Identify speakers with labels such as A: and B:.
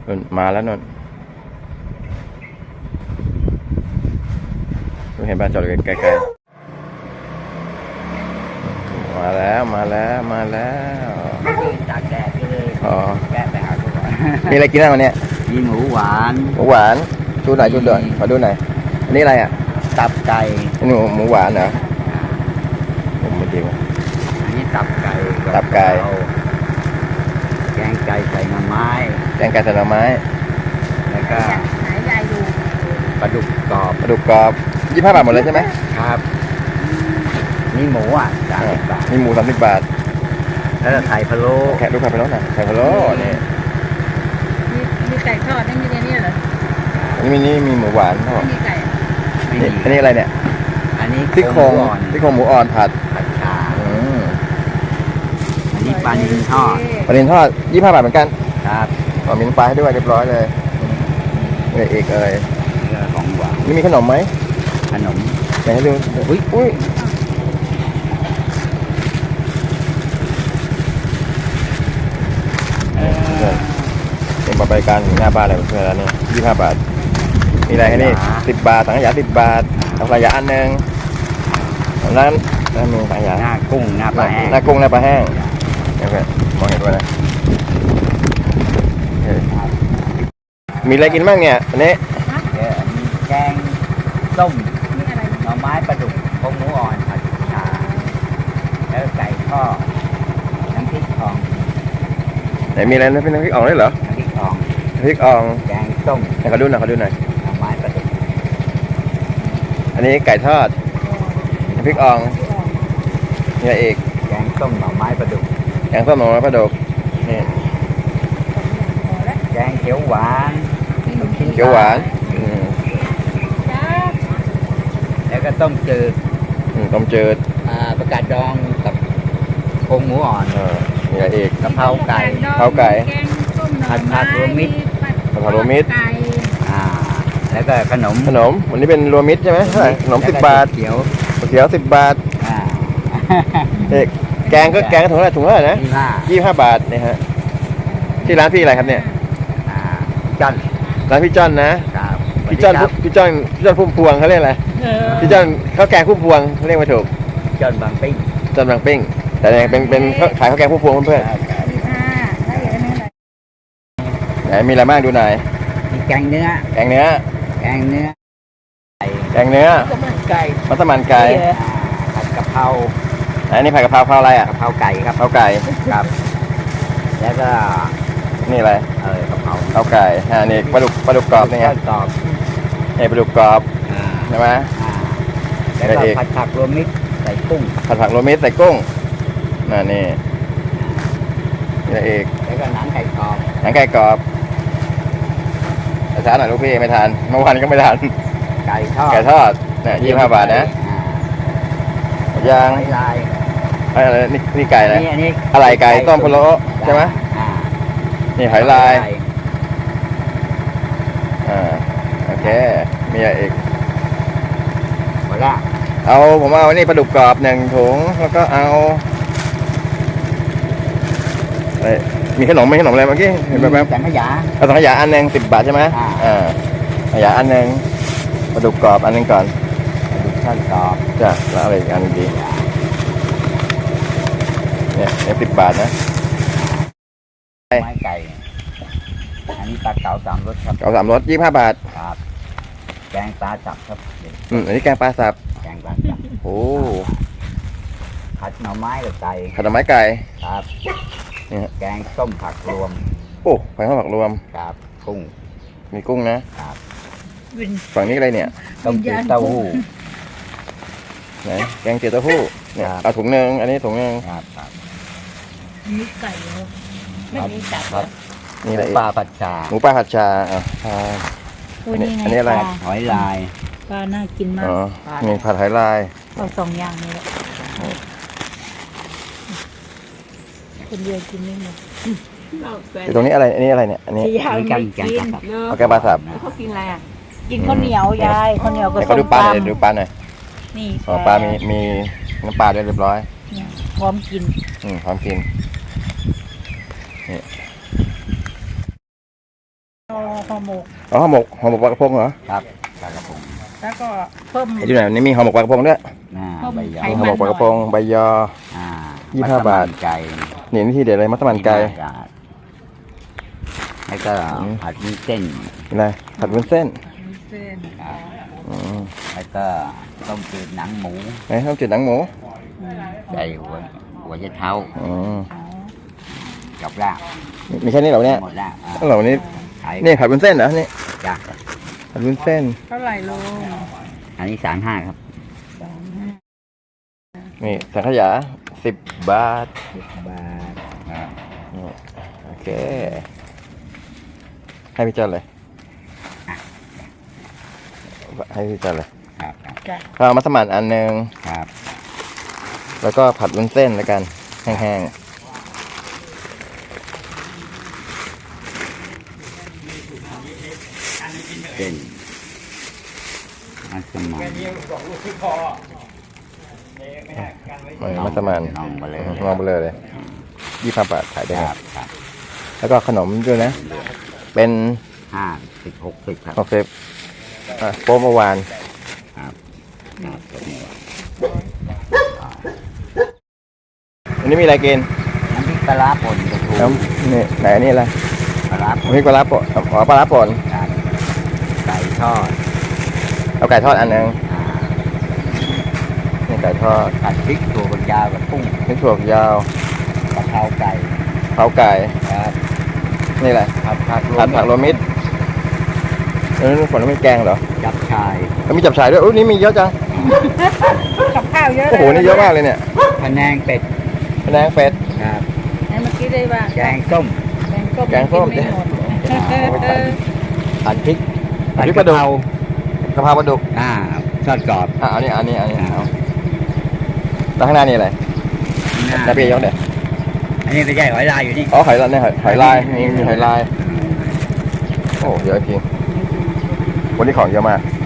A: นนมาแล้วนนเห็นบ้านจอดไกลๆมาแล้ว
B: ตากแดดเลย
A: อ๋อ
B: แกะไปหาทุกวัน
A: มีอะไรกินบ้างวันนี้
B: มีหมูหวาน
A: หมูหวานดูหน่อยขอดูหน่อยอันนี้อะไรอ่ะ
B: ตับไก่
A: อันนี้หมูหวานเหรอผมไม่ดีว่ะ
B: อันนี้ตับไก่
A: ตับไก่
B: แกงไก่ใส่หน่อไม้
A: แกงไก่ใส่หน่อไม้
B: แล้วก็
C: หายายอยู่
B: ปลาดุกกรอบ
A: ปลาดุกกรอบ25 บาทหมดเลยใช่ไหม
B: ครับนี่หมู30 บาท
A: มีหมู30 บาท
B: แล้วก็ไข่พะโล้
A: แขกลูกค้าไปแล้วนะไข่พะโล้นี่
C: มีไก่ทอดไม่มีในนี้เหรอ
A: อันนี้มีหมูหวานพ่อ
C: ไม่มีไก่
B: ไม่
A: นี่
B: มี
A: อันนี้อะไรเนี่ย
B: อันนี้
A: ซี่โครง
B: หมูอ่อน
A: หมูอ่อนผัด
B: ผัดชา
A: อืม
B: อันนี้ปลานิลทอด
A: ปลาดินทอด25 บาทเหมือนกัน
B: ครับ
A: อ๋อมีน้ำปลาให้ด้วยเรียบร้อยเลยเอกเอ่ย
B: นี่ก็ของหวาน
A: นี่มีขนมไหม
B: ขนม
A: ไหนให้ดูอุ้ยเป็นบริการหน้าบ้านอะไรเพื่อนแล้วนี่25 บาทมีอะไรให้นี่10 บาทสังขยา10 บาทสังขยาอันหนึ่งร้านมีสังขยา
B: หน้ากุ้งหน้าปลาแห้ง
A: หน้ากุ้งหน้าปลาแห้งโอเคมองเห็นด้วยนะมีอะไรกินบ้างเนี่ยอันนี้
B: แกงส้ม
C: มีอะไร
B: หน่อไม้ปลาดุกพงหมูอ่อนผัดชาแล้วไก่ทอดน้ำพริกทอง
A: ไหนมีอะไรนะพี่น้ำพริกอ่องด้วยเหรอ
B: น้ำพริกทอง
A: น้ำพริกอ่อง
B: แกงส้ม
A: ให้เขาดูหน่อย
B: หน่อไม้ปลาดุก
A: อันนี้ไก่ทอดน้ำพริกอ่องมีอะไรอีก
B: แกงส้มหน่อไม้ปลาดุก
A: แกงส้มหน่อไม้ปลาดุกนี่
B: แกงเขียวหวานลูกชิ้น
A: เขียวหวาน
C: จ้า
B: แล้วก็ต้มจืด
A: ต้มจืด
B: ประกาศดองกับพงหมูอ่อน
A: มีอะไรอีก
B: กะเพราไก่
A: ข้าวไก่
C: แกงส้มหน่อ
B: ผัดรวมมิตร
A: กะเพรารวมมิตร
C: ไก่
B: แล้วก็ขนม
A: ขนมวันนี้เป็นรวมมิตรใช่ไหมเท่าไหร่ขนม
B: แล้วก็
A: 10 บาท
B: เขียว
A: เขียว10 บาท
B: อ่า
A: เอกแกงถุงเท่าไหร่ถุงเท่าไหร่นะ 25 บาทนี่ฮะที่ร้านพี่อะไรครับเนี่ย
B: จัน
A: ร้านพี่จ้อนนะครับ พี่จ้อนพุ่มพวงเขาเรียกอะไร พี่จ้อนข้าวแกงพุ่มพวงเขาเรียกไม่ถูก
B: จันบางปิ้ง
A: จ้อนบางปิ้งแต่เนี่ยเป็นขายข้าวแกงพุ่มพวงเพื่อน
C: มีผ้าแล้วอย่างนี้อะไร
A: ๆไหนมีอะไรบ้างดูหน่อย
B: มีแกงเนื้อ
A: แกงเนื้อ
B: แกงเนื้อไก่
A: แกงเนื้อ
C: ก็เหมือนไก่
A: มัสมั่นไก่
B: ผัดกะเพรา
A: อันนี้ผัดกะเพราอะไรอ่ะ
B: กะเพราไก่ครับ
A: ข้าวไก่
B: ครับ แล้วก็
A: นี่อะไร
B: กะเพรา
A: ข้าวไก่นี่ปลาดุกกรอบนี่ไง
B: ทอดกรอบ
A: นี่ปลาดุกกรอบ
B: อ่า
A: ใช่ไหม
B: อ่าแล้วก็
A: อะไรอีก
B: ผัดผักรวมมิตรใส่กุ้ง
A: ผัดผักโรวมมิตรใส่กุ้งนี่นี่อะไรอีก
B: แล้วก็หนังไก่กรอบ
A: หนังไก่กรอบช้าหน่อยลูกพี่ไม่ทานเมื่อวานก็ไม่ทาน
B: ไก่ทอด
A: ไก่ทอดเนี่ย25 บาทนะ
B: อ่า
A: ย่าง
B: หอยลาย
A: อะไรนี่ไก่อะไร
B: อันนี้
A: อะไรไก่ต้มพะโล้ใช่ไหม
B: อ่า
A: นี่หอยลายโอเคมีอะไรอีก
B: หมดละ
A: ผมเอานี่ปลาดุกกรอบ1 ถุงแล้วก็เอามีขนมอะไรเมื่อกี้เห็นแบบ
B: สังขยา
A: เอาสังขยาอันหนึ่ง10 บาทใช่ไหมสังขยาอันหนึ่งปลาดุกกรอบอันหนึงก่อน
B: ทอดกรอบ
A: จ้ะแล้วอะไรอีกอันดีเนี่ย10 บาทนะ
B: ไม้ไก่ อันนี้ปลาเก๋า3 รสครับ
A: เก๋า3 รส25 บาท
B: ครับ แกงปลาจับครับ
A: อันนี้แกงปลาสับ
B: แกงปลาจับ
A: โอ้
B: ผัดหน่อไม้กับไก่
A: ขนมไม้ไก่
B: ครับ
A: นี่ฮะ
B: แกงส้มผักรวม
A: โอ้ไฟข้าวผักรวม
B: ครับกุ้ง
A: มีกุ้งนะ
B: ครับ
C: วิน
A: ฝั่งนี้อะไรเนี่ย
B: ต้มจืดเต้าหู้
A: ไหนแกงเจียวเต้าหู้เนี่ย
B: ครับ
A: เอาถุงหนึ่งอันนี้ถุงหนึ่ง
B: ครับครับ
C: มีไก่เหรอไม่มีจับ
B: ครับ
A: นี่อะไรอีก
B: ปลาผัดชา
A: หมูปลาผัดชา
C: ตัวนี้ไง
A: อันนี้อะไร
C: ปลา
B: หอยลาย
C: ปลาน่ากินมาก
A: อ๋อมีผัดไหลาย
C: เอา2 อย่างนี้แหละคนเดียวกินไม่หมด
A: อยู่ตรงนี้อะไรอันนี้อะไรเนี่ยอันนี้
C: ที่ยาย
B: มี
C: ไม่
B: แกง
C: กิน
B: ปลาสับ
A: เอาแกงปลาสับ
C: เขากินอะไรอ่ะกินข้าวเหนียวยายข้าวเหนียวกับ
A: เดี๋ยว
C: ส้
A: เขา
C: ม
A: ดูปลาหน่อย
C: ตำ
A: ดูปลาหน่อย
C: นี่
A: อ๋อปลามีน้ำปลาด้วยเรียบร้อย
C: เนี่ยพร้อมกิน
A: พร้อมกินนี่
C: เอาห่อหมก
A: อ๋อห่อหมกปลากระพงเหรอ
B: ครับปลากระพง
C: แล้วก็เพิ่ม
A: ไอ้ที่ไหนนี่มีห่อหมกปลากระพงด้วย
C: เพิ่ม
B: ใบยอ
C: ไข
A: ห่อหมกปลากระพงใบยอ
B: อ่า
A: 25 บาท
B: มัสมั่นไก่
A: นี่ที่เด็ดเลยมัสมั่นไก่
B: 25 บาทแล้วก็ผัดวุ้นเส้น
A: อะไรผัดวุ้นเส้น
C: เส้น
B: ครับ
A: อืม
B: แล้วก็ต้มจืดหนังหมู
A: ไหนข้าวจืดหนังหมู
B: ใส่หัวไชเท้า
A: อืม
B: กับลาบ
A: มีแค่นี้เหรอเนี่ย
B: หมดแล้วอ่า
A: เหรอนี่
B: ขาย
A: นี่ผัดวุ้นเส้นเหรอนี่
B: จ้ะ
A: ผัดวุ้นเส้น
C: เท่าไหร่ลุง
B: อันนี้35ครับ
A: นี่สังขยา10 บาท
B: 10 บาทครับ
A: นี่โอเค ให้พี่เจ้าเลยให้พี่เจ้าเลย
B: ครับครับ
C: จ้ะ
A: ข้าวมัสมั่นอันหนึง
B: ครับ
A: แล้วก็ผัดวุ้นเส้นแล้วกันแห้ง
B: เส้นมัสมั่น
A: ๆมัสมั่น
B: น้องมาเลย
A: มองไปเลย25 บาทขายได้
B: ค
A: ไง
B: รับครับ
A: แล้วก็ขนมด้วยนะ เป็น
B: 50 60ครับ
A: คาเฟ่โป๊ะเมื่อวาน
B: ครับครับผม
A: อันนี้มีอะไรกิน
B: น้ำพริกปลาร้าป่นกระทู
A: น้ำนี่ไหนอันนี่อะไร
B: ปลาร้าป่น
A: น้ำพริกปลาร้าป่นอ๋อปลาร้าป่น
B: ครับไก่ทอด
A: เอาไก่ทอดอันหนึง
B: อ่า
A: นี่ไก่ทอด
B: ผัดพริกถั่วฝักยาวกับกุ้ง
A: พริกถั่วฝักยาว
B: กะเพราไก่
A: เผาไก่
B: ครับ
A: นี่แหละ
B: ผัดผัก
A: ผัดผักโรวมมิตรผลไม้แกงเหรอ
B: จับชาย
A: แล้วมีจับฉ่ายด้วยอุ้ยนี่มีเยอะจัง
C: กับข้าวเยอะ
A: โอ้โหนี่เยอะมากเลยเนี่ย
B: พะแนงเป็ด
A: พะแนงเป็ด
B: ครับ
C: ไหนเมื่อกี้ได้ว่า
B: แกงส้ม
C: แกงส้ม
A: แกงส้ม
C: กินไม่หมด
B: ผัดพริก
A: ผัดพริกปลาดุก กะเพราปลาดุก
B: อ่าทอดกรอบ
A: อ่ะอันนี้เอาแล้วข้างหน้านี่อะไรแล้วพี่ยกเดี๋ยว
B: อันนี้ไม่ใช่หอยลายอยู่นี่
A: อ๋อหอยลายเนี่ยหอยลายมีหอยลายโอ้เยอะจริงวันนี้ของเยอะมาก